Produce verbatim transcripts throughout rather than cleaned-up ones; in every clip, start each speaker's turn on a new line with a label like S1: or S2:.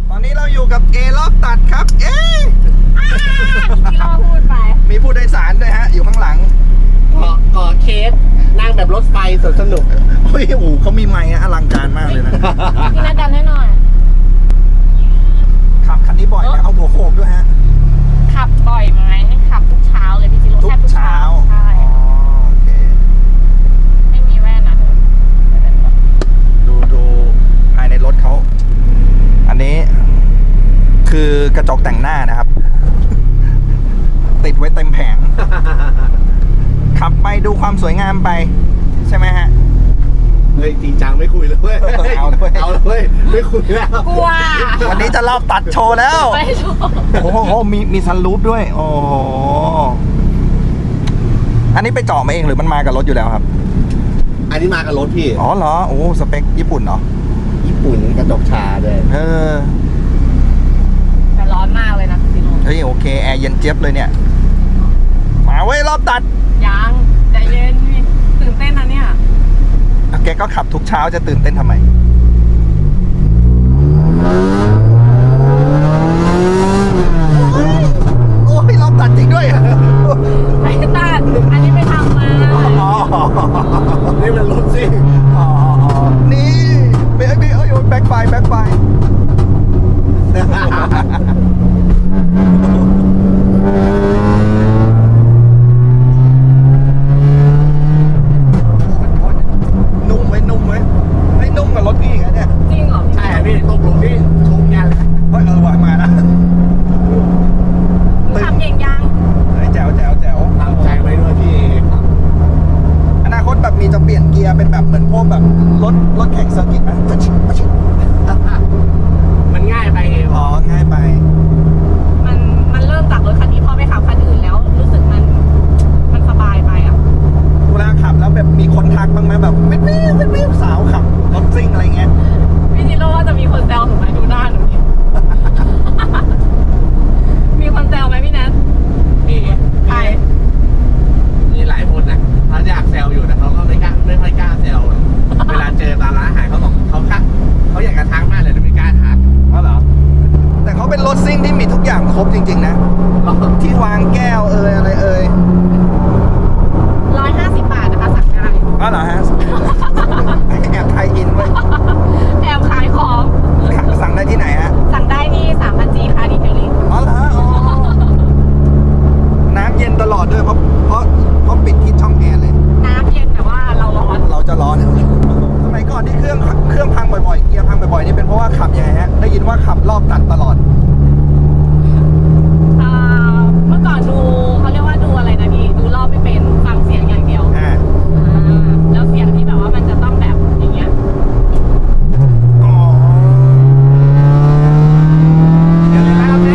S1: ตอนนี้เราอยู่กับเอรอบตัดครับ เอ๊ะ
S2: ที่เราพูดไป
S1: มีผู้โดยสารด้วยฮะอยู่ข้างหลัง
S3: เกาะเกาะเคสนั่งแบบรถไฟสวนสนุก
S1: โอ้ยโอ้โหเขามีไมค์อลังการมากเลยนะ
S2: พี่นัดดันให้หน่อย
S1: ขับคันนี้บ่อยไหมเอาหัวโขกด้วยฮะ
S2: ขับบ่อยไหมขับทุกเช้าเลยพี่จิโร่
S1: ทุก
S2: แทบทุก
S1: เช้า
S2: เช้าใช่
S1: อ๋อโอเค
S2: ไม่มีแว่นนะไม่เป็นไร
S1: ดูดูภายในรถเขา อันนี้คือกระจกแต่งหน้านะครับ ติดไว้เต็มแผง ขับไปดูความสวยงามไป ใช่ไหมฮะ
S3: เฮ้ยจริงจังไม่คุยเลยเว้ย
S1: เอาเลย
S3: เอาเลยเว้ยไม่คุยแล้ว
S2: กลัว
S1: วันนี้จะรอบตัดโชว์แล้ว
S2: ไม่ชอบ
S1: โอ้โห มีมีซันรูฟด้วย โอ้โห อันนี้ไปเจาะมาเองหรือมันมากับรถอยู่แล้วครับ
S3: อันนี้มากับรถพี่
S1: อ๋อเหรอ โอ้สเปคญี่ปุ่นเหรอ
S3: ญี่ปุ่นกระจกชาด้วย
S1: เออ
S2: แต่ร้อนมากเลยนะพี่จิโร่
S1: เฮ้ยโอเค แอร์เย็นเจี๊ยบเลยเนี่ย มาเว้ยรอบตัด
S2: ยังใจเย็นพี่ตื่นเต้นนะเนี่ย
S1: แกก็ขับทุกเช้าจะตื่นเต้นทำไม โอ้ยรอบตัดจริงด้วยอะ
S2: ไม่ตัดอันนี้ไปทำมา
S1: อ๋อ
S3: นี่มันรถซิ่ง
S1: อ๋ออ๋อนี่เบรกเบรกเอ้ยแบ็คไฟแบ็คไฟ นุ่มไว้นุ่มไว้ไม่นุ่มกับรถพี่อีกอะเนี่ย
S2: จริงเหรอ
S3: ใช่พี่ตกลงที่ชมยันเลย
S1: เฮ้ยเออว่ะมานะ
S2: ขับเก่งยัง
S1: เฮ้ยแจ๋วแจ๋วแจ๋ว
S3: ตั้งใจไว้ด้วยพี่
S1: อนาคตแบบมีจะเปลี่ยนเกียร์เป็นแบบเหมือนพวกแบบรถรถแข่งเซอร์กิตไหมปะชิปะชิ
S3: มันง่ายไปไง
S1: อ๋อง่ายไป
S2: มันมันเริ่มจากรถคันนี้พอไปขับคันอื่นแล้ว รู้สึกมันมันสบายไปอ่ะ
S1: เวลาขับแล้วแบบมีคนทักบ้างไหมแบบวิววิววิววิวสาวขับรถซิ่งอะไรเงี้ย
S2: พี่จิโร่ว่าจะมีคนแซวหนูไหมดูหน้าหนูดิ มีคนแซวไหมพี่แนท
S3: นี่
S2: ใคร
S3: มีหลายคนนะเขาอยากแซวอยู่แต่เขาก็ไม่กล้าไม่ค่อยกล้าแซวเวลาเจอตามร้านอาหารเขาบอกเขาคักเขาอยากกระทักมากเลยแต่ไม่กล้าทัก
S1: อ๋อเหรอ แต่เขาเป็นรถซิ่งที่มีทุกอย่างครบจริงๆนะ ที่วางแก้วเอ่ยอะไรเอ่ย
S2: ร้อยห้าสิบบาทนะคะสั่งได้
S1: อ๋อเหรอฮะ แอบไทยอินไว้ย
S2: แอบขายของ
S1: สั่งได้ที่ไหนฮะ
S2: สั่งได้ที่สามพันจีค่ะดีเทลลิ่ง
S1: อ๋อเหรออ๋อน้ำเย็นตลอดด้วยเพราะเพราะเพราะปิดที่ช่องแอร์เลย
S2: น้ำเย็นแต่ว่าเราร้อน
S1: เราจะร้อนสมัยก่อนที่เครื่องเครื่องพังบ่อยๆ เกียร์พังบ่อยๆ นี่เป็นเพราะว่าขับยังไงฮะ ได้ยินว่าขับรอบตัดตลอด
S2: อ่าเมื่อก่อนดูเขาเรียกว่าดูอะไรนะพี่ ดูรอบไม่เป็นฟังเสียงอย่างเดียว
S1: อ่า
S2: อ่าแล้วเสียงที่แบบว่ามันจะต้องแบบอย่างเงี้ย
S1: อ๋อ
S3: เดี๋ยวนะครับแม่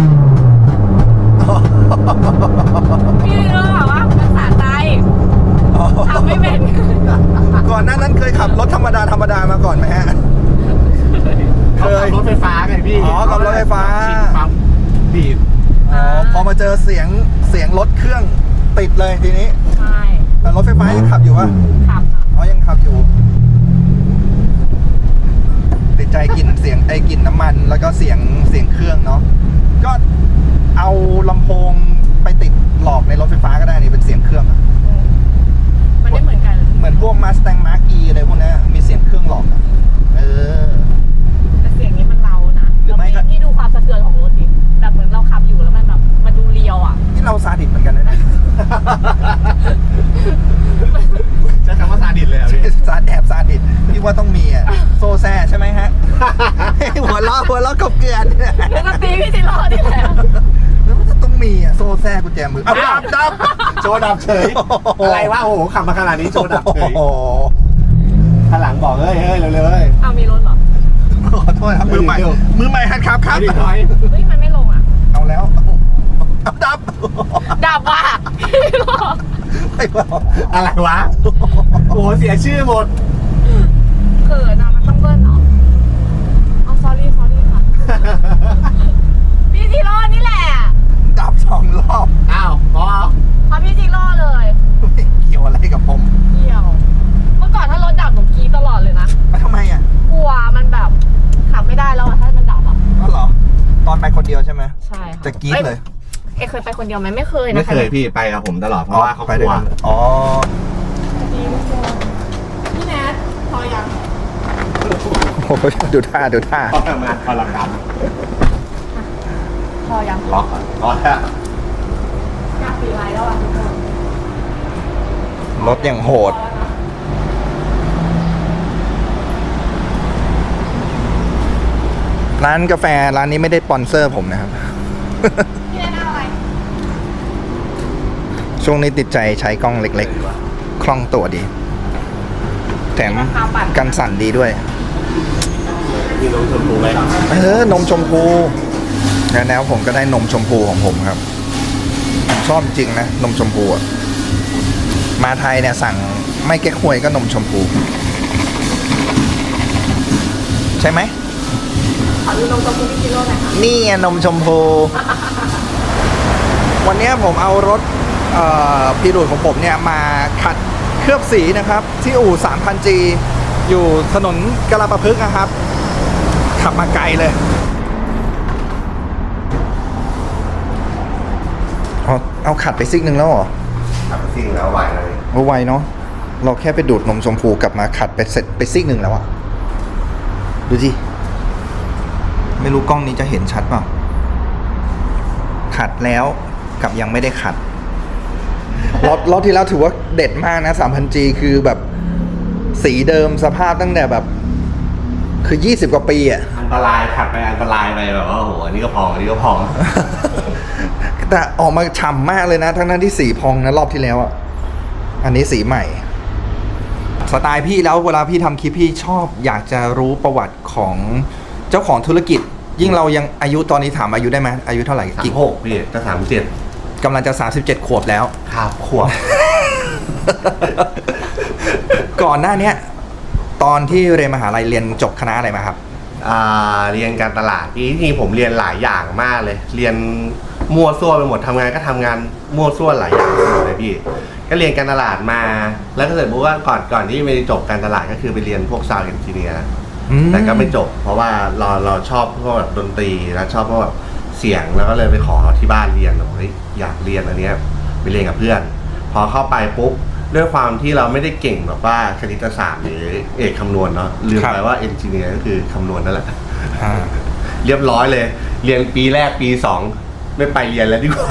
S2: พี่เรื่องแบบว่ามันสะใจทำไม่เป็น
S1: ก่อนหน้านั้นเคยขับรถธรรมดาธรรมดามาก่อนไหมฮะ
S3: เขาขับรถไฟฟ้าไงพี่
S1: อ๋อขับรถไฟฟ้า
S3: ชิดปั๊มบีบ
S1: อ๋อ พอมาเจอเสียงเสียงรถเครื่องติดเลยทีนี้
S2: ใช่
S1: แต่รถไฟฟ้ายังขับอยู่ปะ
S2: ขับ
S1: อ๋อ ยังขับอยู่ ติดใจกลิ่นเสียงไอ้กลิ่นน้ำมันแล้วก็เสียงเสียงเครื่องเนาะ ก็เอาลำโพงไปติดหลอกในรถไฟฟ้าก็ได้นี่เป็นเสียงเครื่องอะ
S2: มันไม่เหมือนกัน
S1: เหมือนพวก Mustang Mark E อะไรพวกนี้มีเสียงเครื่องหลอกอะเออ
S2: แต่เสียงนี้มันเล้านะ
S1: หรือไม่ก็
S2: แล้วพี่ดูความสะเทือนของรถดิแบบเหมือนเราขับอยู่แล้วมันแบบมันดูเรียวอ่ะ
S1: ที่เราซาดิสเหมือนกันนะเนี่ย
S3: ใช้คำว่าซาดิสเลยเหรอพี่
S1: ซาแอบซาดิสที่ว่าต้องมีอ่ะ โซแซ่ใช่ไหมฮะ หัวล้อหัวล้อกบเกลือน
S2: แล้วก็ตีพี่จิโร่นี่แหละ
S1: แล้วมันจะต้องมีอ่ะ โซแซ่กุญแจมือ
S3: เอาดับดับโชว์ดับเฉย อะไรวะโอ้โหขับมาขนาดนี้โชว์ดับเฉย
S1: โอ้โห
S3: ข้างหลังบอกเฮ้ยเฮ้ยเร็วๆเลย
S2: เอามีรถเหรอ
S1: ขอโทษครับมือใหม่
S3: เดี๋ยว
S1: มือใหม่หัดขับครับ
S3: ไปดิถอย
S2: เฮ้ยมันไม่ลงอ่ะ
S1: เอาแล้วเอาดับ
S2: ดับว่ะพี่จิโร่
S1: ไม่เอา
S3: อะไรวะ โอ้โหเสียชื่อหมด
S2: เขินอ่ะมันต้องเบิ้ลเหรอเอา sorry sorry ค่ะ พี่จิโร่นี่แหละ
S1: ดับสองรอบ
S3: อ้าวพอ
S2: เพราะพี่จิโร่เลย
S1: ไม่เกี่ยวอะไรกับผม
S2: เกี่ยว เมื่อก่อนถ้ารถดับหนูกรี๊ดตลอดเลยนะ
S1: แล้วทำไมอ่ะ
S2: กลัวมันแบบขับไม่ได้แล้วอะถ้ามันดับอ่ะ
S1: เอาตอนไปคนเดียวใช่ไหม
S2: ใช่ค่ะ
S1: จะกรี๊ดเลย
S2: เอ้ยเคยไปคนเดียวไหมไม่เคยนะ
S3: ไม่
S2: คะ
S3: เคยพี่ไปกับผมตลอดเพราะว่าเขา
S1: ไป
S3: ก
S1: ด้
S3: ลั
S1: วยว กันอ๋อ
S2: พี่แนทพอยัง
S1: โอ้โหดูท่าดูท่า
S3: เขาทำงานพลังกรรม
S2: พอยัง
S3: ล็อกก่อนล็อกแล้ว
S2: อยากปีไลน์แล้วอ่ะทุกคน
S1: รถอย่างโหด ร้านกาแฟร้านนี้ไม่ได้สปอนเซอร์ผมนะครับ
S2: พี่แนทเอาอะไร
S1: ช่วงนี้ติดใจใช้กล้องเล็กๆ คล่องตัวดี แถมกันสั่นดีด้วย
S3: มีนมชมพูไหมครับ
S1: เออนมชมพูแล้วแนวผมก็ได้นมชมพูของผมครับผมชอบจริงนะ นมชมพูอะมาไทยเนี่ยสั่งไม่เก๊กฮวยก็นมชมพู ใช่ไหม
S2: ขอดูนมกับคุณพี่กิโลหน่อยค่ะ
S1: นี่ไงนมชมพู วันนี้ผมเอารถเอ่อพีรูดของผมเนี่ยมาขัดเคลือบสีนะครับ ที่อู่ สามพันจี อยู่ถนนกลาประพฤกษ์นะครับ ขับมาไกลเลยเอาเอาขัดไปซิกหนึ่งแล้วเหรอ
S3: ขับซิ่งแล้วไหวเลย
S1: เอาไวเนาะเราแค่ไปดูดนมชมพูกลับมาขัดไปเสร็จไปซิกหนึ่งแล้วอะดูสิไม่รู้กล้องนี้จะเห็นชัดเปล่าขัดแล้วกับยังไม่ได้ขัดรถรถที่แล้วถือว่าเด็ดมากนะ สามพันจี คือแบบสีเดิมสภาพตั้งแต่แบบ คือยี่สิบกว่าปีอะ
S3: อันตรายขับไปอันตรายไปแบบว่าโอ้โหอันนี้ก็พองอันนี้ก็พอง
S1: แต่ออกมาฉ่ำมากเลยนะ ทั้งนั้นที่สีพองนะรอบที่แล้วอะอันนี้สีใหม่ สไตล์พี่แล้วเวลาพี่ทำคลิปพี่ชอบอยากจะรู้ประวัติของเจ้าของธุรกิจ ยิ่งเรายังอายุตอนนี้ถามอายุได้ไหมอายุเท่าไหร่
S3: สาม
S1: กี่
S3: หกพี่จะสามเจ็ด
S1: กำลังจะสามสิบเจ็ดขวบแล้ว
S3: ครับขวบ
S1: ก่อนหน้าเนี้ยตอนที่เรียนมหาลัยเรียนจบคณะอะไรมาครับ
S3: อ่าเรียนการตลาดพี่ที่จริงผมเรียนหลายอย่างมากเลย เรียนมั่วซั่วไปหมดทำงานก็ทำงานมั่วซั่วหลายอย่างไปหมดเลยพี่ก็เรียนการตลาดมาแล้วก็เสร็จปุ๊บว่าก่อนก่อนที่ไม่ได้จบการตลาดก็คือไปเรียนพวกซาวด์เอนจิเนียร์
S1: อืม
S3: แต่ก็ไม่จบ เพราะว่าเราเราชอบพวกแบบดนตรีแล้วชอบพวกแบบเสียงแล้วก็เลยไปขอที่บ้านเรียนบอกเฮ้ยอยากเรียนอันเนี้ยไปเรียนกับเพื่อน พอเข้าไปปุ๊บด้วยความที่เราไม่ได้เก่งแบบว่าคณิตศาสตร์หรือเอกคำนวณเนาะลืมไปว่าเอนจิเนียร์ก็คือคำนวณนั่นแหละ
S1: อ่า
S3: เรียบร้อยเลย เรียนปีแรกปีสองไม่ไปเรียนแล้วดีกว่า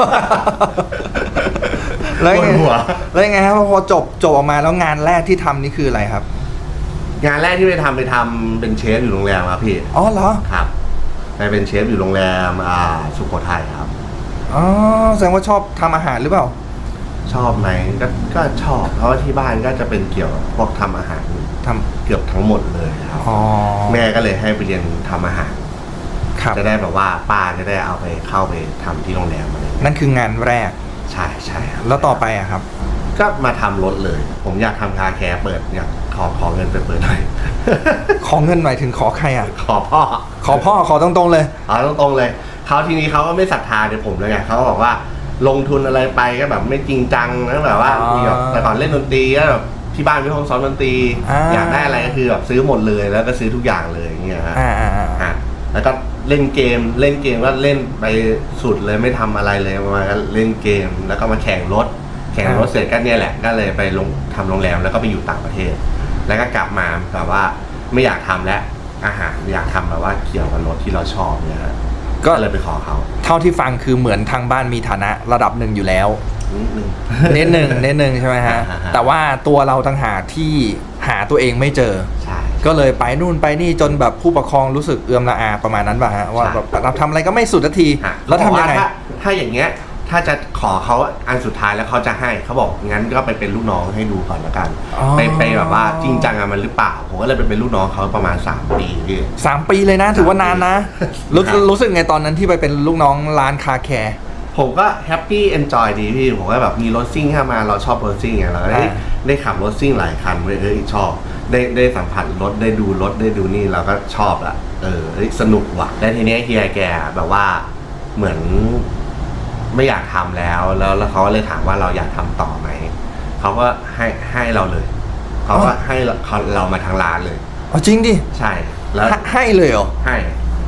S1: แล้วยังไง
S3: ปวดหัว
S1: แล้วยังไงครับพอจบจบออกมาแล้วงานแรกที่ทำนี่คืออะไรครับ
S3: งานแรกที่ไปทำไปทำเป็นเชฟอยู่โรงแรมครับพี่
S1: อ๋อเหรอ
S3: ครับไปเป็นเชฟอยู่โรงแรมอ่าสุโขทัยครับ
S1: อ๋อแสดงว่าชอบทำอาหารหรือเปล่า
S3: ชอบไหมก็ก็ชอบ เพราะว่าที่บ้านก็จะเป็นเกี่ยวกับพวกทำอาหาร
S1: ทำ
S3: เกือบทั้งหมดเลยครับ
S1: อ๋อ
S3: แม่ก็เลยให้ไปเรียนทำอาหาร
S1: ครับ
S3: จะได้แบบว่าป้าจะได้เอาไปเข้าไปทำที่โรงแรมอะไรอย่างเงี้ย
S1: นั่นคืองานแรก
S3: ใช่ใช่ครับ
S1: แล้วต่อไปอะครับ
S3: ก็มาทำรถเลย ผมอยากทำคาแคร์เปิดอยากขอขอเงินไปเปิดหน่อย
S1: ขอเงินหมายถึงขอใครอะ
S3: ขอพ่อ
S1: ขอพ่อขอตรงๆเลย
S3: เอาตรงๆเลยเขาทีนี้เขาก็ไม่ศรัทธาในผมเลยไงเขาก็บอกว่าลงทุนอะไรไปก็แบบไม่จริงจังนะแบบว่า
S1: อ๋อ
S3: มีแบบแต่ก่อนเล่นดนตรีก็แบบที่บ้านมีห้องซ้อมดนตรี
S1: อ่า
S3: อยากได้อะไรก็คือแบบซื้อหมดเลยแล้วก็ซื้อทุกอย่างเลยอย่างเงี้ยฮะ
S1: อ่าอ่าอ่า
S3: อ่ะแล้วก็เล่นเกมเล่นเกมก็เล่นไปสุดเลยไม่ทำอะไรเลยประมาณก็เล่นเกมแล้วก็มาแข่งรถ แข่งรถเสร็จก็เนี่ยแหละก็เลยไปลงทำโรงแรมแล้วก็ไปอยู่ต่างประเทศ แล้วก็กลับมาแบบว่าไม่อยากทำแล้วอาหารอยากทำแบบว่าเกี่ยวกับรถที่เราชอบเนี่ยฮะ
S1: ก็
S3: ก็เลยไปขอเขา
S1: เท่าที่ฟังคือเหมือนทางบ้านมีฐานะระดับหนึ่งอยู่แล้ว
S3: นิดนึง
S1: เน้นหนึ่งเน้นหนึ่งใช่ไหมฮะ
S3: อ่าฮะ
S1: แต่ว่าตัวเราต่างหากที่หาตัวเองไม่เจอ
S3: ใช่
S1: ก็เลยไปนู่นไปนี่จนแบบผู้ปกครองรู้สึกเอือมละอาประมาณนั้นป่ะฮะว่าแบบเราทำอะไรก็ไม่สุดสักที
S3: ฮะ
S1: แล้วทำยังไง
S3: เขาบอกาถ้าถ้าอย่างเงี้ยถ้าจะขอเขาอันสุดท้ายแล้วเขาจะให้เขาบอกงั้นก็ไปเป็นลูกน้องให้ดูก่อนละกัน
S1: อ๋อ
S3: ไปไปแบบว่าจริงจังกับมันหรือเปล่าผมก็เลยไปเป็นลูกน้องเขาประมาณสามปีพี่
S1: สามปีเลยนะ ถือว่านานนะ รู้
S3: ครับ
S1: รู้สึกไงตอนนั้นที่ไปเป็นลูกน้องร้านคาแคร์
S3: ผมก็แฮปปี้เอนจอยดีพี่ผมก็แบบมีรถซิ่งเข้ามาเราชอบรถซิ่งไงเราก็ได้
S1: อ่า
S3: ได้ขับรถซิ่งหลายคันเว้ยเอ้ยชอบได้ได้สัมผัสรถได้ดูรถได้ดูนี่เราก็ชอบละเออเฮ้ยสนุกว่ะแล้วทีเนี้ยเฮียแกแบบว่าเหมือนไม่อยากทำแล้วแล้วแล้วเขาก็เลยถามว่าเราอยากทำต่อไหมเขาก็ให้ให้เราเลยเขา
S1: อ๋
S3: ก็
S1: อ
S3: ให้เราเขาเรามาทางร้านเลย
S1: อ๋อจริงดิ
S3: ใช่แล้ว
S1: ให้ให้เลยเหรอ
S3: ให้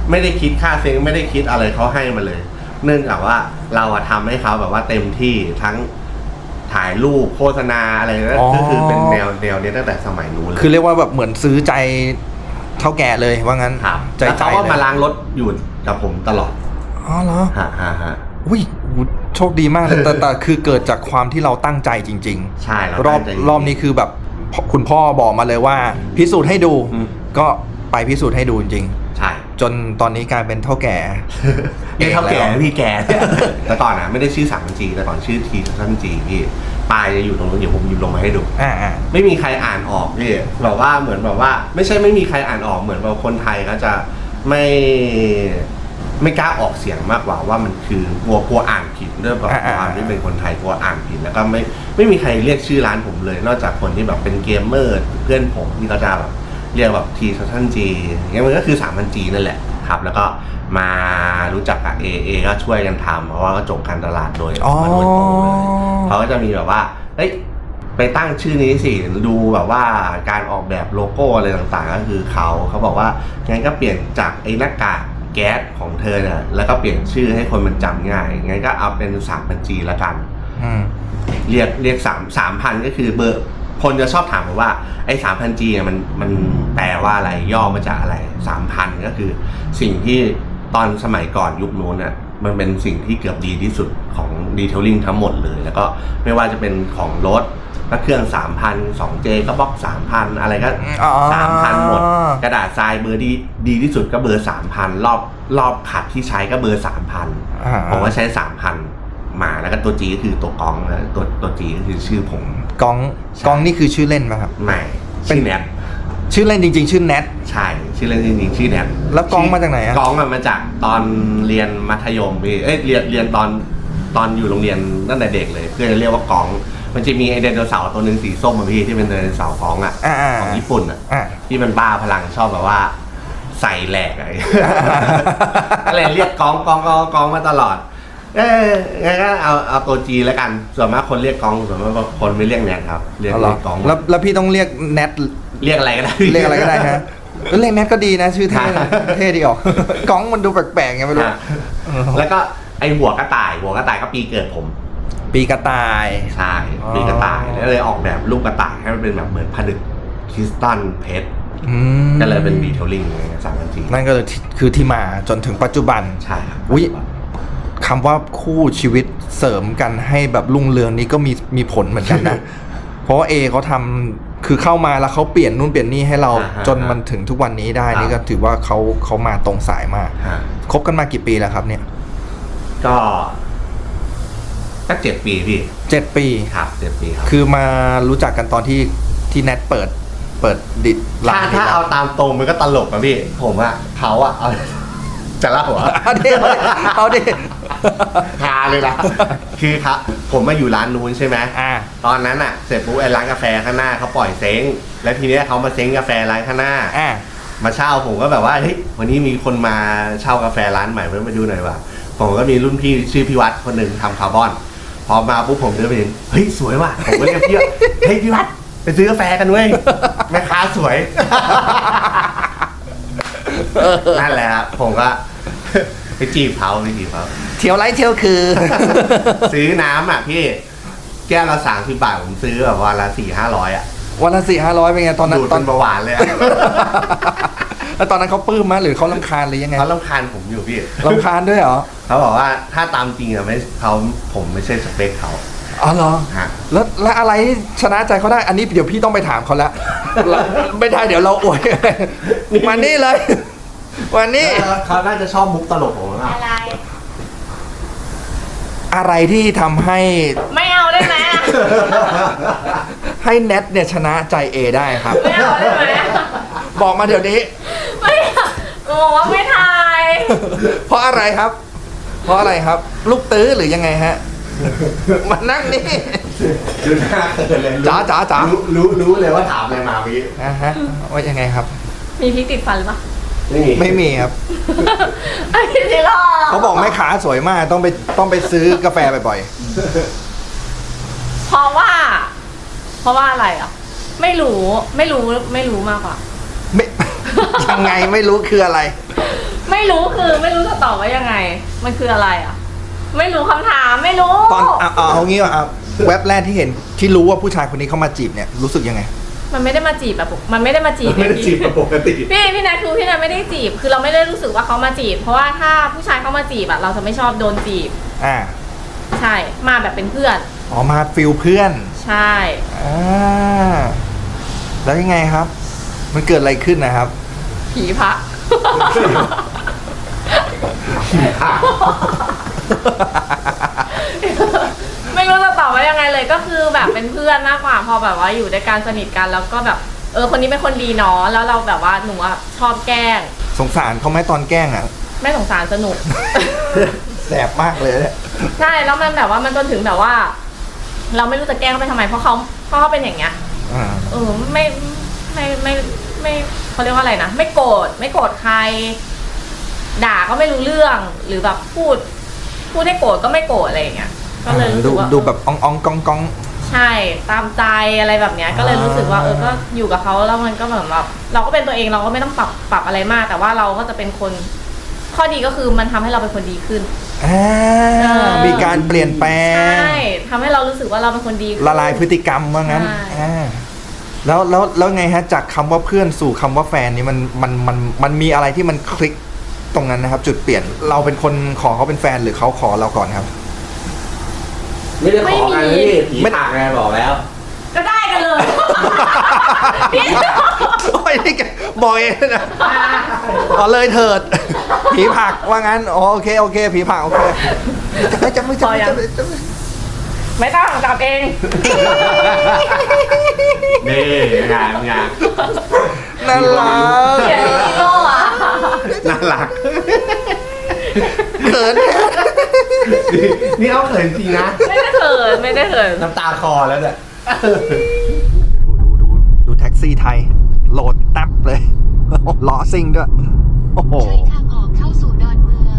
S3: ไม่ได้คิดค่าเซ็งไม่ได้คิดอะไรเขาให้มาเลย เนื่องจากว่าเราอะทำให้เขาแบบว่าเต็มที่ทั้งถ่ายรูปโฆษณาอะไรนั่นก็คือเป็นแนวแนวนี้ตั้งแต่สมัยนู้นเลย
S1: คือเรียกว่าแบบเหมือนซื้อใจเท่าแก่เลยว่างั้น
S3: ครับ
S1: ใจ
S3: แล้ว
S1: ใจ
S3: เขาก็
S1: เลย
S3: มาล้างรถอยู่กับผมตลอด
S1: อ๋อเหรอ
S3: ฮะฮะฮะ
S1: อุ้ยโชคดีมากเลยแต่แต่คือเกิดจากความที่เราตั้งใจจริง
S3: ใช่เรา
S1: ๆ รอบ
S3: ตั้งใจ
S1: รอบนี้คือแบบพคุณพ่อบอกมาเลยว่า พิสูจน์ให้ดู
S3: อืม
S1: ก็ไปพิสูจน์ให้ดูจริง
S3: ใช่
S1: ๆ จนตอนนี้กลายเป็นเท่าแก่
S3: นี่เท่าแก่
S1: เองแล้ว
S3: พี่แก่ แต่ก่อนอ่ะไม่ได้ชื่อสามพันจีแต่ก่อนชื่อทีสั้นจีพี่ปลายจะอยู่ตรงนู้นเดี๋ยวผมหยิบลงมาให้ดู
S1: อ่าอ่า
S3: ไม่มีใครอ่านออกพี่แบบว่าเหมือนแบบว่า ไม่ใช่ไม่มีใครอ่านออกเหมือนแบบคนไทยก็จะไม่ไม่กล้าออกเสียงมากกว่าว่ามันคือกลัวกลัวอ่านผิดด้วยแบบความที่เป็นคนไทยกลัวอ่านผิดแล้วก็ไม่ไม่มีใครเรียกชื่อร้านผมเลย นอกจากคนที่แบบเป็นเกมเมอร์เพื่อนผมที่เขาจะแบบเรียกแบบทีซันจีอย่างเงี้ยมันก็คือสามพันจีนั่นแหละครับ แล้วก็มารู้จักกับเอเอก็ช่วยกันทำเพราะว่าก็จบการตลาดโดย
S1: อ๋อ
S3: มาโดยตรงเลยเขาก็จะมีแบบว่าเฮ้ยไปตั้งชื่อนี้สิดูแบบว่าการออกแบบโลโก้อะไรต่างๆ ก็คือเขาเขาบอกว่างั้นก็เปลี่ยนจากไอ้หน้ากากแก๊สของเธอเนี่ยแล้วก็เปลี่ยนชื่อให้คนมันจำง่ายงั้นก็เอาเป็นสามพันจีละกัน
S1: อืม
S3: เรียกเรียกสามสามพันก็คือเบอร์คนจะชอบถามผมว่าไอ้สามพันจีมันมันแปลว่าอะไรย่อมาจากอะไรสามพันก็คือสิ่งที่ตอนสมัยก่อนยุคนู้นน่ะมันเป็นสิ่งที่เกือบดีที่สุดของดีเทลลิ่งทั้งหมดเลย แล้วก็ไม่ว่าจะเป็นของรถก็เครื่องสามพันสองเจก็บล็อกสามพันอะไรก็
S1: อ๋อ
S3: สามพันหมด กระดาษทรายเบอร์ดีดีที่สุดก็เบอร์สามพันรอบรอบขัดที่ใช้ก็เบอร์สามพัน
S1: อ่า
S3: ผมก็ใช้สามพันมาแล้วก็ตัวจีก็คือตัวกองนะตัวตัวจีก็คือชื่อผม
S1: กองกองนี่คือชื่อเล่นไหมครับ
S3: ใหม่
S1: เป็น
S3: ชื่อแนท
S1: ชื่อเล่นจริง ๆ ชื่อแนท
S3: ใช่ชื่อเล่นจริงๆชื่อแนท
S1: แล้วกองมาจากไหนอะ
S3: กองอะมาจากตอนเรียนมัธยมพี่เอ้ยเรียนเรียนตอนตอนอยู่โรงเรียนตั้งแต่เด็กเลยเพื่อนจะเรียกว่ากอง มันจะมีไอไดโนเสาร์ตัวหนึ่งสีส้มอะพี่ที่เป็นไดโนเสาร์กองอะ
S1: อ่าๆ
S3: ของญี่ปุ่นอะ
S1: อ่า
S3: ที่มันบ้าพลังชอบแบบว่าใส่แหลกอะไร อะไรเรียกกองกองกองกองมาตลอด เอ้ยงั้นก็เอาเอาตัวจีแล้วกัน ส่วนมากคนเรียกกองส่วนมากคนไม่เรียกแนทครับ เรียก
S1: เอาเหร
S3: เรี
S1: อย
S3: กกอง
S1: แล้วแล้วพี่ต้องเรียกแนท
S3: เรียกอะไรก็ได้
S1: เรียกอะไรก็ได้ฮะเออเรียกแนทก็ดีนะ ชื่อเท่นะเท่ดีออก กองมันดูแปลกๆไงไม่รู้
S3: ฮะแล้วก็ไอหัวกระต่าย หัวกระต่ายก็ปีเกิดผม
S1: ปีกระต่าย
S3: ใช่
S1: อ๋อ
S3: ปีกระต่ายแล้วเลยออกแบบลูกกระต่ายให้มันเป็นแบบเหมือนผนึกคริสตัลเพชร
S1: อืม
S3: ก็เลยเป็นดีเทลลิ่งสามพันจี
S1: นั่นก็เลยที่คือที่มาจนถึงปัจจุบัน
S3: ใช่ครับ
S1: อุ๊ย คำว่าคู่ชีวิตเสริมกันให้แบบรุ่งเรืองนี้ก็มีมีผลเหมือนกันนะ เพราะว่าเอเขาทำคือเข้ามาแล้วเขาเปลี่ยนนู่นเปลี่ยนนี่ให้เรา
S3: อ่าฮะ
S1: จนมันถึงทุกวันนี้ได้
S3: ครับ
S1: นี่ก็ถือว่าเขาเขามาตรงสายมาก
S3: ฮะ
S1: คบกันมากี่ปีแล้วครับเนี่ย
S3: ก็สักเจ็ดปีพี่
S1: เจ็ดปี
S3: ครับเจ็ดปีครับ
S1: คือมารู้จักกันตอนที่ที่แนทเปิดเปิดดิดร้า
S3: ถ้าน
S1: นี้
S3: ถ้า
S1: แล้ว
S3: เอาตามตรงมันก็ตลกอะพี่ ผมอะเขาอะเอาจะเล่าหัว
S1: เอาดิเอาดิ
S3: ฮาเลยนะคือครับผมมาอยู่ร้านนู้นใช่ไหม
S1: อ่า
S3: ตอนนั้นอะเสร็จปุ๊บไอ้ร้านกาแฟข้างหน้าเขาปล่อยเซ้งแล้วทีเนี้ยเขามาเซ้งกาแฟร้านข้างหน้า
S1: อ่า
S3: มาเช่าผมก็แบบว่าเฮ้ยวันนี้มีคนมาเช่ากาแฟร้านใหม่มาดูหน่อยว่ะผมก็มีรุ่นพี่ชื่อพี่วัดคนหนึ่งทำคาร์บอน พอมาปุ๊บผมเดินไปเห็นเฮ้ยสวยว่ะผมก็เรียกพี่ว่าเฮ้ยพี่วัดไปซื้อกาแฟกันเว้ยแม่ค้าสวย นั่นแหละครับผมก็ ไปจีบเขาไปจีบเขา
S1: เที่ยวไรเที่ยวคือ
S3: ซื้อน้ำอ่ะพี่แก้วละสามสิบบาทผมซื้อแบบวันละสี่ห้าร้อยอ่ะ
S1: วันละสี่ห้าร้อยเป็นไงตอนนั้น
S3: ดูด
S1: ตอ
S3: เป็น นเบาหวานเลยอะ
S1: แล้วตอนนั้นเขาปลื้มมั้ยหรือเขาลำคาญหรือยังไง
S3: เขาลำคาญผมอยู่พี่
S1: ลำคาญด้วยเหรอ
S3: เขาบอกว่าถ้าตามจริงอะไม่เขาผมไม่ใช่สเปคเขา
S1: อ๋อเหรอ
S3: ฮะ
S1: แล้วแล้วอะไรชนะใจเขาได้ อันนี้เดี๋ยวพี่ต้องไปถามเขาแล้ว แล้วไม่ได้เดี๋ยวเราอวย มานี่เลยวันนี้
S3: เขาน่าจะชอบมุกตลกผมอะ
S2: อะไร
S1: อะไรที่ทำให้
S2: ไม่เอาได้ไหมอะ
S1: ให้แนทเนี่ยชนะใจเอได้ครับ
S2: ไม่เอาได้ไหมอะ
S1: บอกมาเดี๋ยวนี้
S2: ไม่อะบอกว่าไม่ทาย
S1: เพราะอะไรครับ เพราะอะไรครับ ลูกตื้อหรือยังไงฮะ มานั่งนี่
S3: ดูหน้าเขินเลยรู้
S1: จ๋าจ๋าจ๋า
S3: รู้รู้รู้เลยว่าถามอะไรมาพี่
S1: อ่าฮะว่ายังไงครับ
S2: มีพริกติดฟันหรือเปล่า
S3: ไม่มี
S1: ไม่มีครับ
S2: ไอ้ที่รอ
S1: เขาบอกแม่ค้าสวยมากต้องไปต้องไปซื้อกาแฟบ่อย
S2: เพราะว่า เพราะว่าอะไรอ่ะ ไม่รู้ไม่รู้ไม่รู้มากกว่า
S1: ๆไม่ ยังไงไม่รู้คืออะไร
S2: ไม่รู้คือไม่รู้จะตอบว่ายังไง มันคืออะไรอ่ะ ไม่รู้คำถามไม่รู้
S1: ตอนเอาเอาเอางี้ว่าเอาแว็บแรกที่เห็นที่รู้ว่าผู้ชายคนนี้เข้ามาจีบเนี่ยรู้สึกยังไง
S2: มันไม่ได้มาจีบแบบมันไม่ได้มาจีบ
S3: ไม่ได้จีบแบบปกติ
S2: พี่พี่นายคือพี่นายไม่ได้จีบ คือเราไม่ได้รู้สึกว่าเขามาจีบ เพราะว่าถ้าผู้ชายเขามาจีบอะเราจะไม่ชอบโดนจีบ
S1: อ่า
S2: ใช่ มาแบบเป็นเพื่อน
S1: อ๋อมาฟิลเพื่อน
S2: ใช่
S1: อ่าแล้วยังไงครับ มันเกิดอะไรขึ้นนะครับ
S2: ผีพระ ไม่รู้จะตอบว่ายังไงเลยก็คือแบบเป็นเพื่อนมากกว่าพอแบบว่าอยู่ด้วยกันสนิทกันแล้วก็แบบเออคนนี้เป็นคนดีเนาะแล้วเราแบบว่าหนูอะชอบแกล้ง
S1: สงสารเขาไหมตอนแกล้งอ่ะ
S2: ไม่สงสารสนุก
S1: แสบมากเลยเนี่ย
S2: ใช่แล้วมันแบบว่ามันจนถึงแบบว่า เราไม่รู้จะแกล้งเขาไปทำไมเพราะเขาเพราะเขาเป็นอย่างเงี้ย
S1: อ่า
S2: เออไม่ไม่ไม่ไม่เขาเรียกว่าอะไรนะไม่โกรธไม่โกรธใคร ด่าก็ไม่รู้เรื่องหรือแบบพูด พูดให้โกรธก็ไม่โกรธอะไรอย่างเงี้ยก็เลยรู้สึ
S1: ดู
S2: กว่า
S1: ดูแบบอ่องอ่องกองกอง
S2: ใช่ตามใจอะไรแบบเนี้ย ก็เลยรู้สึกว่าเออก็อยู่กับเขาแล้วมันก็เหมือนแบบเราก็เป็นตัวเองเราก็ไม่ต้องปรับปรับอะไรมาก แต่ว่าเราก็จะเป็นคนข้อดีก็คือมันทำให้เราเป็นคนดีขึ้น
S1: อ่า
S2: เออ
S1: มีการเปลี่ยนแปล
S2: ใช่
S1: ง
S2: ทำให้เรารู้สึกว่าเราเป็นคนดีขึ้น
S1: ละลายพฤติกรรมว่างั้น
S2: ใช่
S1: อ่าแล้วแล้วแล้วไงฮะจากคำว่าเพื่อนสู่คำว่าแฟนนี่มันมันมันมันมีอะไรที่มันคลิกตรงนั้นนะครับ จุดเปลี่ยนเราเป็นคนขอเขาเป็นแฟนหรือเขาขอเราก่อนครับ
S3: ไม่ได้ขอกันนี่ผีผลักไงบอกแล้ว
S2: ก็ได้กันเลย พี่
S1: โอ้ยนี่แกบอกเองนะอ๋อเลยเถิด ผีผลักว่างั้นอ๋อโอเคโอเค ผีผลักโอเคจะไม่จะไม่จะไม่จะไม่จะไม่
S2: ไม่ต้องจับเอง
S3: นี่งานงาน
S1: น่ารัก
S2: เขียนฮีโร่อะ
S3: น่ารัก
S1: เขิน
S3: นี่เอาเขินจริงนะ
S2: ไม่ได้เขินไม่ได้เขิน
S3: น้ำตาคอแล้วเนี่ย
S1: ดูดูดูดูแท็กซี่ไทย โหลดตับเลยล้อซิ่งด้วย โอ้โห
S4: ใช้ทางออกเข้าสู่ดอนเมือง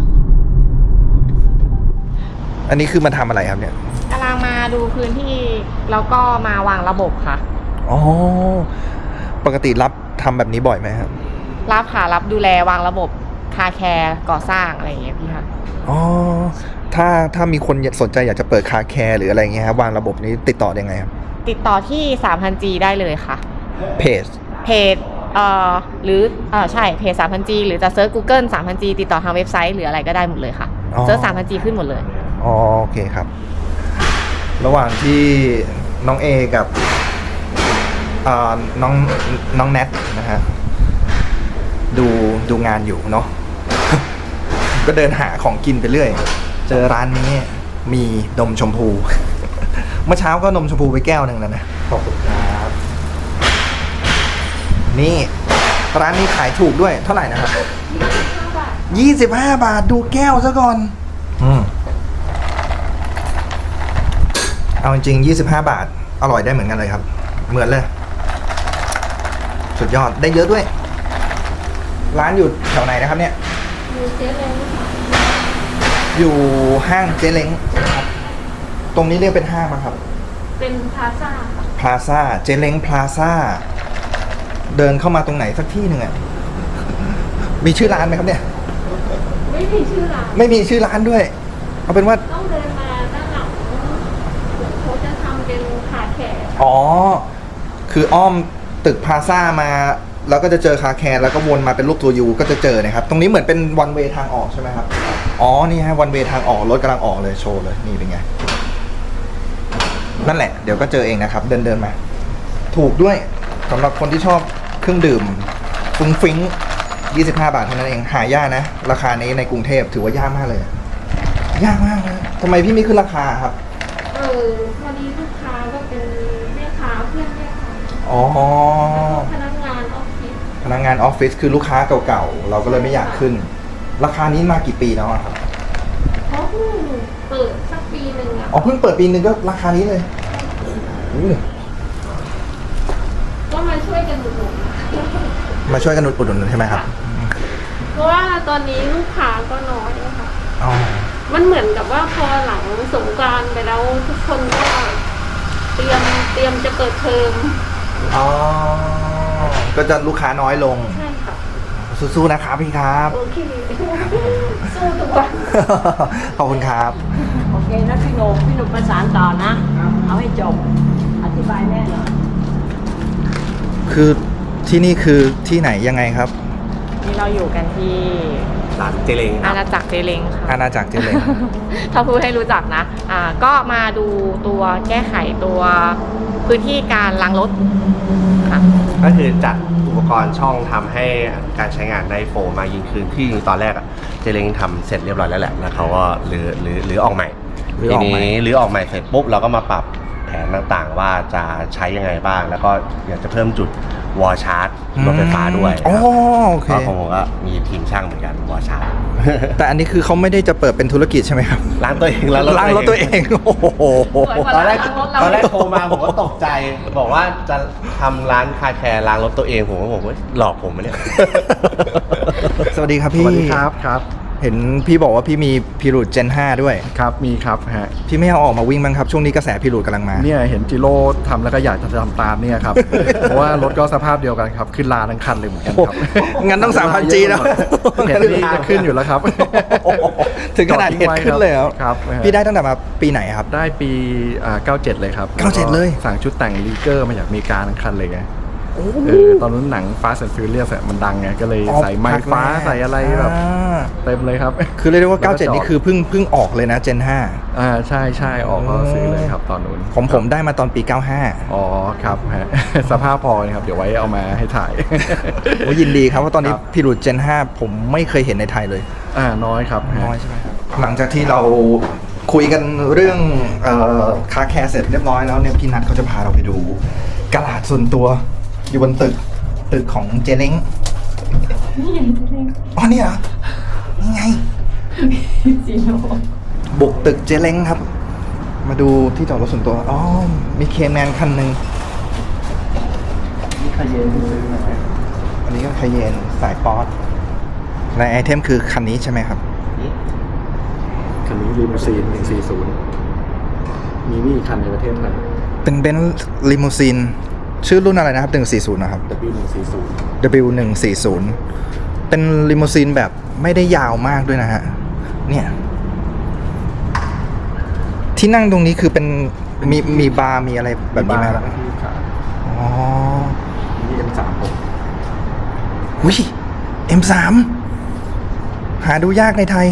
S1: อันนี้คือมาทำอะไรครับเนี่ย
S2: กำลังมาดูพื้นที่แล้วก็มาวางระบบค่ะ
S1: อ๋อ ปกติรับทำแบบนี้บ่อยไหมครับ
S2: รับค่ะรับดูแลวางระบบคาแคร์ก่อสร้างอะไรอย่างเงี้ยพี่ค่ะ
S1: อ๋อ ถ้าถ้ามีคนสนใจอยากจะเปิดคาแคร์หรืออะไรเงี้ยครับวางระบบนี้ติดต่อได้ไงครับ
S2: ติดต่อที่ สามพันจี ได้เลยค่ะ
S1: เพจ
S2: เพจเอ่อหรือเอ่อใช่เพจ สามพันจี หรือจะเซิร์ช Google สามพันจี ติดต่อทางเว็บไซต์หรืออะไรก็ได้หมดเลยค่ะ
S1: อ๋อ
S2: เซิร์ช สามพันจี ขึ้นหมดเลย
S1: อ๋อโอเคครับ ระหว่างที่น้องเอกับเอ่อน้องน้องแนทนะฮะดูดูงานอยู่เนาะ ก็เดินหาของกินไปเรื่อย เจอร้านนี้มีนมชมพู เมื่อเช้าก็นมชมพูไปแก้วหนึ่งแล้วนะ ขอบคุณครับ นี่ร้านนี้ขายถูกด้วยเท่าไหร่นะครับยี่สิบห้าบาทดูแก้วซะก่อน อืม เอาจริงๆยี่สิบห้าบาท อร่อยได้เหมือนกันเลยครับ เหมือนเลย สุดยอด ได้เยอะด้วย ร้านอยู่แถวไหนนะครับเนี่ย
S2: อยู่เจ๊เล้ง
S1: อยู่ห้างเจ๊เล้งนะครับ ตรงนี้เรียกเป็นห้างไหมครับ
S2: เป็นพาซ่าค่ะ
S1: พลาซ่า เจ๊เล้งพลาซ่า เดินเข้ามาตรงไหนสักที่หนึ่งอ่ะ มีชื่อร้านไหมครับเนี่ย
S2: ไม่มีชื่อร้าน
S1: ไม่มีชื่อร้านด้วย เอาเป็นว่า
S2: ต้องเดินมาด้านหลังเขาจะทำเป็นคาแคร์
S1: อ๋อ คืออ้อมตึกพลาซ่ามา แล้วก็จะเจอคาแคร์แล้วก็วนมาเป็นรูปตัวยูก็จะเจอนะครับ ตรงนี้เหมือนเป็นวันเวทางออกใช่ไหมครับ อ๋อ นี่ฮะวันเวทางออก รถกำลังออกเลยโชว์เลย นี่เป็นไง นั่นแหละ เดี๋ยวก็เจอเองนะครับ เดินเดินมา ถูกด้วยสำหรับคนที่ชอบเครื่องดื่มฟุ้งฟิ้งยี่สิบห้าบาทเท่านั้นเอง หายากนะ ราคานี้ในกรุงเทพถือว่ายากมากเลย ยากมากเลยทำไมพี่ไม่ขึ้นราคาครับ
S5: เออพอดีลูกค้าก็เป็นแม่ค้าเพื่อนแม่ค้า
S1: อ๋อ
S5: พนักงานออฟฟิศ
S1: พนักงานออฟฟิศคือลูกค้าเก่าๆ เราก็เลยไม่อยากขึ้น ราคานี้มากี่ปีแล้วอะครับ
S5: เขาเพิ่งเปิดสักปีหนึ่งอ่ะ
S1: อ๋อเพิ่งเปิดปีนึงก็ราคานี้เลยโอ้โห
S5: ก็มาช่วยกันอุดหนุน
S1: มาช่วยกันอุดหนุนใช่ไหมครับ
S5: เพราะว่าตอนนี้ลูกค้าก็น้อยอะค่ะ
S1: อ๋อ
S5: มันเหมือนกับว่าพอหลังสงกรานต์ไปแล้วทุกคนก็เตรียมเตรียมจะเปิดเทอม
S1: อ๋อ ก็จะลูกค้าน้อยลง
S5: ใช่ค่ะ
S1: โอ้โหสู้ๆนะครับพี่ครับ
S5: โอเคสู้ทุกวัน
S1: ขอบคุณครับ
S6: โอเคนะพี่หนุ่มพี่หนุ่มประสานต่อนะ เอาให้จบ อธิบายแม่หน่อย
S1: คือที่นี่คือที่ไหนยังไงครับ
S2: นี่เราอยู่กันที่
S3: ร้านเจเลงค
S2: อา
S3: รับ
S2: ณาจักรเจเล้งค่ะ
S1: อาณาจักรเจเล้ง
S2: ถ้าพูดให้รู้จักนะ อ่า ก็มาดูตัวแก้ไขตัวพื้นที่การล้างรถค่ะ
S3: ก็คือจัดอุปกรณ์ช่องทำให้การใช้งานได้โฟล์มากยิ่งขึ้นที่จริงตอนแรกอะเจเลงทำเสร็จเรียบร้อยแล้วแหละแล้วเขาก็รื้อรื้อรื้อออกใหม่
S1: รื้อ
S3: ที
S1: ออกใหม่
S3: นี้รื้อออกใหม่เสร็จปุ๊บเราก็มาปรับแผนต่างๆ ว่าจะใช้ยังไงบ้าง แล้วก็อยากจะเพิ่มจุดวอลชาร์จรถไฟฟ้าด้วย
S1: อ๋อ
S3: ครับ
S1: โอเค
S3: ก็ของผมก็มีทีมช่างเหมือนกันวอลชาร์จ
S1: แต่อันนี้คือเขาไม่ได้จะเปิดเป็นธุรกิจใช่ไหมครับ
S3: ล้างตัวเอง
S1: ล้างรถตัวเอง โอ้โห
S2: สวยกว่า
S3: ตอนแรก
S2: ล้างรถเรา
S3: ตอนแรกโทรมาผมก็ตกใจ บอกว่าจะทำร้านคาแคร์ล้างรถตัวเองผมก็บอกว่าหลอกผมไหมเนี่ย
S1: สวัสดีครับพี่
S7: สวัสดีครับครับ
S1: เห็นพี่บอกว่าพี่มีพิรูดเจนห้าด้วย
S7: ครับมีครับฮะ
S1: พี่ไม่เอาออกมาวิ่งบ้างครับ ช่วงนี้กระแสพิรูดกำลังมา
S7: เนี่ยเห็นจิโร่ทำแล้วก็อยากจะทำตามเนี่ยครับ เพราะว่ารถก็สภาพเดียวกันครับ ขึ้นลาทั้งคันเลยเหมือนกันครับ
S1: โอ้งั้นต้อง สามพันจี แล้ว
S7: เห็นนี่จะขึ้นอยู่แล้วครับ
S1: ถึงขนาดเห็นขึ้นเลยเหรอ
S7: ครับ
S1: พี่ได้ตั้งแต่มาปีไหนครับ
S7: ได้ปีอ่าเก้าเจ็ดเลยครับ
S1: เก้าเจ็ดเลย
S7: สั่งชุดแต่งลีเกอร์มาจากอเมริกาทั้งคันเลยไงเออตอนนั้นหนัง Fast and Furious อะมันดังไงก็เลยใส่ไม้ฟ้าใส่อะไรแบบ
S1: อ่า
S7: เต็มเลยครับ
S1: คือเรียกได้ว่า
S7: แล้วก็
S1: เก้าเจ็ด
S7: จอด
S1: นี่คือเพิ่งเพิ่งออกเลยนะเจนห้า
S7: อ่าใช่ใช่ออกก็ซื้อเลยครับตอนนู้น
S1: ผมผมได้มาตอนปีเก้าห้า
S7: อ๋อครับฮะ สภาพพอนะครับ เดี๋ยวไว้เอามาให้ถ่าย
S1: โอ้ยินดีครับเพราะตอนนี้
S7: ครับ
S1: พิรูดเจนห้าผมไม่เคยเห็นในไทยเลย
S7: อ่าน้อยครับฮะ
S1: น้อยใช่ไหมครับ หลังจากที่เราคุยกันเรื่องเอ่อคาแคร์เสร็จเรียบร้อยแล้วเนี่ยพี่นัทเขาจะพาเราไปดูกระดาษส่วนตัวอยู่บนตึกตึกของเจเล้งนี่ไงเจเล้งอ๋อนี่เหรอนี่ไงบุกตึกเจเล้งครับ มาดูที่จอดรถส่วนตัวอ๋อมีเคแมนคันหนึ่ง
S7: นี่คาเยนที่ซื้อมา
S1: อันนี้ก็คาเยนสายป๊อตและไอเทมคือคันนี้ใช่ไหมครับ
S7: คันนี้ลีมูซีนหนึ่งสี่ศูนย์มีนี่คันในประเทศไทย
S1: เป็นเบนซ์ลิมูซีนชื่อรุ่นอะไรนะครับหนึ่งสี่ศูนย์นะครับ
S7: ดับเบิลยูหนึ่งสี่ศูนย์
S1: ดับเบิลยูหนึ่งสี่ศูนย์ เป็นลิมูซีนแบบไม่ได้ยาวมากด้วยนะฮะ เนี่ย ที่นั่งตรงนี้คือเป็นมีมีบาร์มีอะไรแบบนี้ไหมครับ
S7: ที่ขา
S1: อ๋อ
S7: นี่เอ็มสามผม
S1: อุ้ย เอ็มสาม หาดูยากในไทย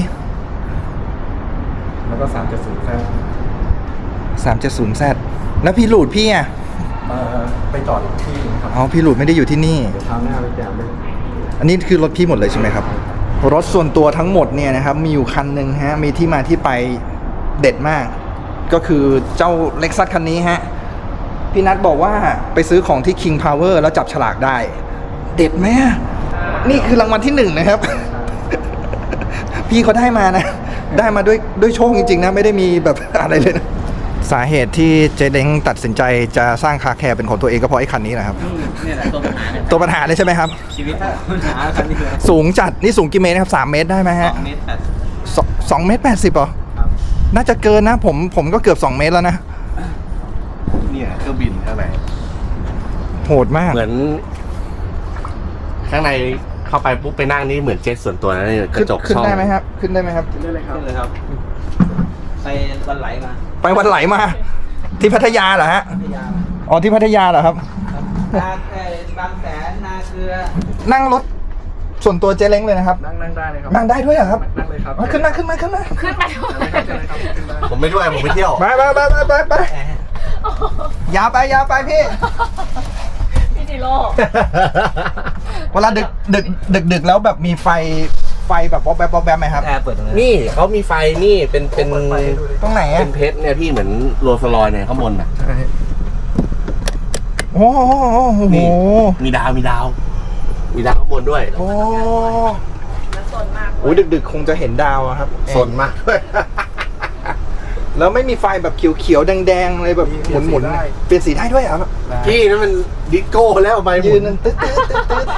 S7: แล้วก็สามเจ็ดศูนย์แฟ
S1: สามเจ็ดศูนย์ แซด แล้วพี่หลุดพี่อ่ะ
S7: ไปจอดอีกที่นึงครับ
S1: อ๋อ พี่หลุดไม่ได้อยู่ที่นี่
S7: เดี๋ยวคราวหน้าไปแจมด้วย
S1: อันนี้คือรถพี่หมดเลยใช่ไหมครับ รถส่วนตัวทั้งหมดเนี่ยนะครับ มีอยู่คันหนึ่งฮะ มีที่มาที่ไปเด็ดมาก ก็คือเจ้าเล็กซัสคันนี้ฮะ พี่นัทบอกว่าไปซื้อของที่ King Power แล้วจับฉลากได้ เด็ดไหมอะนี่คือรางวัลที่หนึ่งนะครับ พี่เขาได้มานะ ได้มาด้วยด้วยโชคจริงๆนะ ไม่ได้มีแบบอะไรเลยนะ สาเหตุที่เจเล้งตัดสินใจจะสร้างคาแคร์เป็นของตัวเองก็เพราะไอ้คันนี้นะครับ
S6: นี่แหละตัวปัญหาเนี่ย
S1: ตัวปัญหาเลยใช่ไหมครับ
S6: ชีวิตปัญหาคันนี้คือ
S1: สูงจัด นี่สูงกี่เมตรนะครับสามเมตรได้ไหม
S6: ส
S1: ฮะ
S6: องเมตรแปด
S1: สองสองเมตรแปดสิบเหรอ
S6: ครับ
S1: น่าจะเกินนะ ผมผมก็เกือบสองเมตรแล้วนะ
S3: เนี่ยเครื่องบินข้างใน
S1: โหดมาก
S3: เหมือน ข้างในเข้าไปปุ๊บไปนั่งนี่เหมือนเจ็ตส่วนตัวนะเนี่ยก
S1: ขึ้น
S3: ระจก
S1: ขึ้น
S3: ช่อง
S1: ได้ไหมครับ ขึ้นได้ไหมครับ
S7: ได้เลยครับ
S6: เลยครับ ไปวันไหลมา
S1: ไปวันไหลมา ที่พัทยาเหรอฮะ
S6: พยายาม
S1: อ๋อที่พัทยาเหรอครับ
S6: นาเอ่อบางแสนนาเกลือ
S1: นั่งรถส่วนตัวเจเล้งเลยนะครับ
S7: นั่งนั่งได้เลยครับ
S1: นั่งได้ด้วยเหรอครับ
S7: นั่งเลยครับ
S1: อ๋อขึ้นมาขึ้นมาขึ้นมา
S2: ขึ้นไปด้วย
S7: เชิญเลยครับขึ้นได้
S3: ผมไม่ด้วยผมไปเที่ยว
S1: ไปไปไปไปไปไปยาวไปยาวไปพี่
S2: พี่จิโร่
S1: เวลาดึกดึกดึกดึกแล้วแบบมีไฟไฟแบบวอบแวบวอบแวบไหมครับ
S6: แอร์เปิดตรงนี้
S3: นี่เขามีไฟนี่เป็นเป็น
S7: เปิดไฟให้ดูดิ
S1: ตรงไหน
S3: เป็
S1: อะ
S3: นเพชรเนี่ยพี่เหมือนโรลส์รอยซ์เนี่ยข้างบนน่ะ
S7: ใช่
S1: โอ้โหโอ้โห
S3: นี่ มีดาวมีดาว มีดาวข้างบนด้วย
S1: โอ้
S2: แล้วสนมาก
S1: โหดึกดึกๆคงจะเห็นดาวอะครับ
S3: สนมากด้วย
S1: แล้วไม่มีไฟแบบเขียวๆแดงๆเลยแบบหมุนหมุนๆเปลี่ยนสีได้ด้วยเหรอครับ
S3: พี่นั่นมันดิสโก้แล้วไปห
S1: ยื
S3: มุ
S1: นนั่นตึ๊ดตึ๊ดตึ๊ดตึ๊ด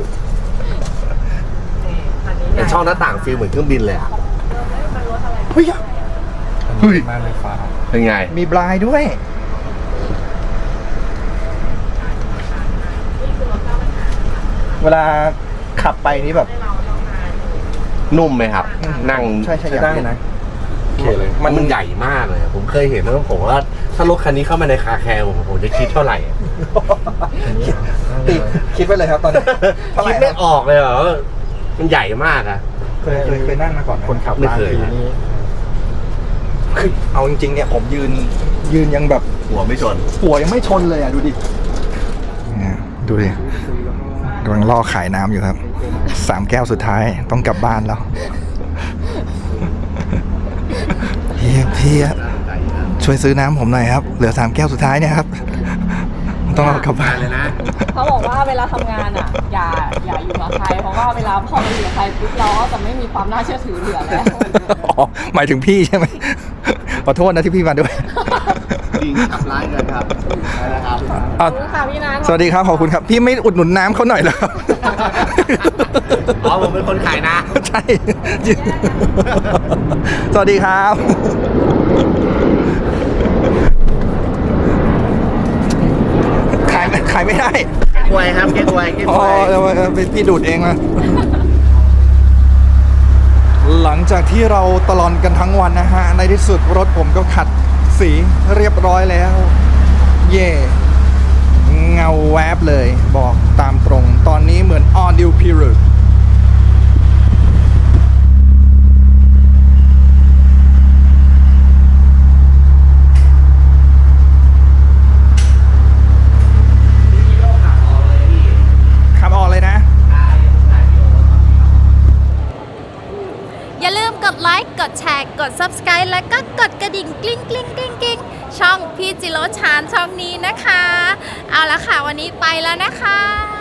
S2: คันนี้
S3: เป็นช่องหน้าต่างฟิลเหมือนเครื่องบินเลยอ่ะ
S1: เฮ้ยอะ
S3: เฮ้ย
S7: มาเลยฟ้า
S3: เป็นไง
S1: มีบลายด้วย เวลาขับไปนี่แบบ
S3: นุ่มไหมครับ
S1: อืม
S3: นั่ง
S1: ใช่ใช่อยาก
S7: ได้
S1: เห็น
S7: นะ โอเคเลย
S3: มันมันใหญ่มากเลย ผมเคยเห็นแล้วผมว่าถ้ารถคันนี้เข้ามาในคาแคร์ผมผมจะคิดเท่าไหร่อะ
S1: ติดคิดไว้เลยครับตอนนี้เท่าไหร่
S3: คิด
S1: ค
S3: ไม่
S1: รับ
S3: ออกเลยเหรอมันใหญ่มากอะ
S1: เคยเคยเคยนั่งมาก่อนไหม
S7: คนขับ
S3: ไม่
S7: บาง
S3: เคย
S7: ทีนี่
S1: คือเอาจริงๆเนี่ยผมยืนยืนยังแบบ
S3: หัวไม่ชน
S1: หัวยังไม่ชนเลยอ่ะดูดิเนี่ยดูดิกำลังล่อขายน้ำอยู่ครับสามแก้วสุดท้ายต้องกลับบ้านแล้วเฮียพี่อะช่วยซื้อน้ำผมหน่อยครับ เหลือสามแก้วสุดท้ายเนี่ยครับ ต้องเอากลับบ้าน
S3: เลยนะ
S2: เขาบอกว่าเวลาทำงานอ่ะ อย่าอย่าอยู่กับใคร เพราะว่าเวลาพอเราอยู่กับใครปุ๊บเราก็จะไม่มีความน่าเชื่อถือเหลือแล้ว
S1: อ๋อหมายถึงพี่ใช่ไหมขอโทษนะที่พี่มาด้วย
S3: จริงขับร้ายกันครับนะครับ
S1: อ่ะ
S2: ขอบคุณค่ะพี่นัท
S1: สวัสดีครับขอบคุณครับ พี่ไม่อุดหนุนน้ำเขาหน่อยเหรอครับ
S3: อ๋อผมเป็นคนขายนะ
S1: ใช่ สวัสดีครับ ขายขายไม่ได้
S3: กล้วยครับเก๊กฮวยเก๊ก
S1: อ๋
S3: ฮ
S1: อ
S3: วย
S1: เดี๋ยวเป็นพี่ดูดเองนะหลังจากที่เราตลอดกันทั้งวันนะฮะ ในที่สุดรถผมก็ขัดสีเรียบร้อยแล้ว เย่เงาแวบเลยบอกตามตรง ตอนนี้เหมือน on new period ขับออกเลยนะ
S8: อย่าลืมกดไลค์ กดแชร์ กด Subscribe แล้วก็กดกระดิ่งกลิ้งกลิ้งกลิ้งกลิ้งช่องพี่จิโร่ชานช่องนี้นะคะ เอาละค่ะ วันนี้ไปแล้วนะคะ